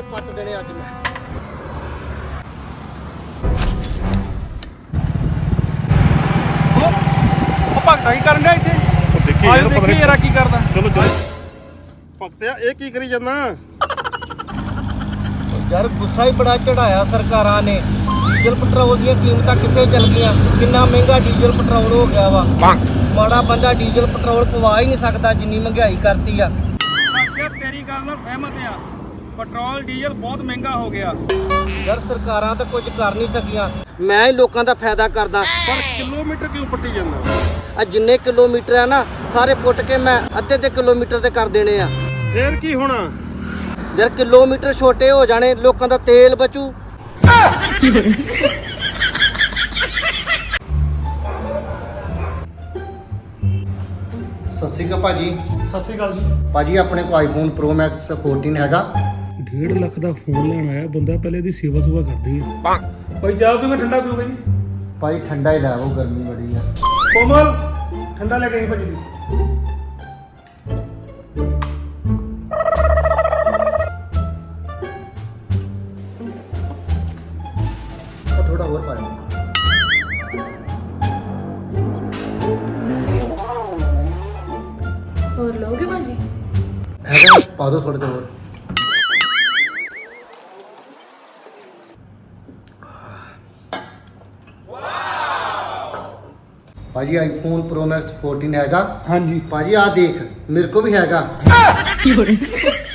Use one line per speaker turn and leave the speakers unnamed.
ਪੱਟ ਦੇਣੇ ਅੱਜ ਮੈਂ।
ਉਹ ਭਗਤਾ ਕੀ ਕਰਨ ਡਿਆ ਇੱਥੇ? ਆਜੋ ਦੇਖੀ ਯਾਰ ਕੀ ਕਰਦਾ।
ਚਲੋ ਭਗਤਿਆ ਇਹ ਕੀ ਕਰੀ ਜਾਂਦਾ?
ਯਾਰ ਗੁੱਸਾ ਹੀ ਬੜਾ ਚੜਾਇਆ ਸਰਕਾਰਾਂ ਨੇ। ਡੀਜ਼ਲ ਪੈਟਰੋਲ ਦੀਆਂ ਕੀਮਤਾਂ ਕਿੱਥੇ ਚੱਲ ਗਈਆਂ? ਕਿੰਨਾ ਮਹਿੰਗਾ ਡੀਜ਼ਲ ਪੈਟਰੋਲ ਹੋ ਗਿਆ ਵਾ। ਮਾੜਾ ਬੰਦਾ ਡੀਜ਼ਲ ਪੈਟਰੋਲ ਪਵਾ ਹੀ ਨਹੀਂ ਸਕਦਾ ਜਿੰਨੀ ਮਹਿੰਗਾਈ ਕਰਤੀ ਆ।
ਤੇਰੀ ਗੱਲ ਨਾਲ ਸਹਿਮਤ ਆ। ਪੈਟਰੋਲ ਡੀਜ਼ਲ ਬਹੁਤ ਮਹਿੰਗਾ ਹੋ ਗਿਆ।
ਯਾਰ ਸਰਕਾਰਾਂ ਤਾਂ ਕੁਝ ਕਰ ਨਹੀਂ ਸਕੀਆਂ। ਮੈਂ ਹੀ ਲੋਕਾਂ ਦਾ ਫਾਇਦਾ ਕਰਦਾ।
ਪਰ ਕਿਲੋਮੀਟਰ ਕਿਉਂ ਪੱਟੀ ਜਾਂਦਾ?
ਆ ਜਿੰਨੇ ਕਿਲੋਮੀਟਰ ਆ ਨਾ ਸਾਰੇ ਪੁੱਟ ਕੇ ਮੈਂ ਅੱਧੇ ਕਿਲੋਮੀਟਰ ਤੇ ਕਰ ਦੇਣੇ ਆ।
ਫੇਰ ਕੀ ਹੋਣਾ?
ਯਾਰ ਕਿਲੋਮੀਟਰ ਛੋਟੇ ਹੋ ਜਾਣੇ, ਲੋਕਾਂ ਦਾ ਤੇਲ ਬਚੂ। ਸਤਿ ਸ਼੍ਰੀ ਅਕਾਲ ਭਾਜੀ।
ਸਤਿ ਸ਼੍ਰੀ ਅਕਾਲ ਜੀ।
ਭਾਜੀ ਆਪਣੇ ਕੋਲ ਆਈਫੋਨ ਪ੍ਰੋ ਮੈਕਸ 14 ਹੈਗਾ।
1.5 ਲੱਖ ਦਾ ਫੋਨ ਲੈਣ ਆਇਆ ਬੰਦਾ, ਪਹਿਲੇ ਇਹਦੀ ਸੇਵਾ ਸੁਵਾ ਕਰਦੀ ਆ। ਭਾਈ ਚਾਹ ਪੀਓਗੇ ਠੰਡਾ ਪੀਓਗੇ ਜੀ?
ਭਾਈ ਠੰਡਾ ਹੀ ਲੈ ਆਓ, ਗਰਮੀ ਬੜੀ ਆ।
ਕੋਮਲ ਠੰਡਾ ਲੈ ਕੇ ਆਈ ਭਾਜੀ ਦੀ।
ਥੋੜਾ ਹੋਰ ਪਾ ਦਿਓ।
ਹੋਰ ਲੋਗੇ ਭਾਜੀ?
ਹੈਗਾ ਪਾ ਦਿਓ ਥੋੜਾ ਜਿਹਾ ਹੋਰ। ਭਾਜੀ ਆਈਫੋਨ ਪ੍ਰੋ ਮੈਕਸ 14 ਹੈਗਾ।
ਹਾਂਜੀ
ਭਾਜੀ ਆ ਦੇਖ ਮੇਰੇ ਕੋ ਵੀ ਹੈਗਾ।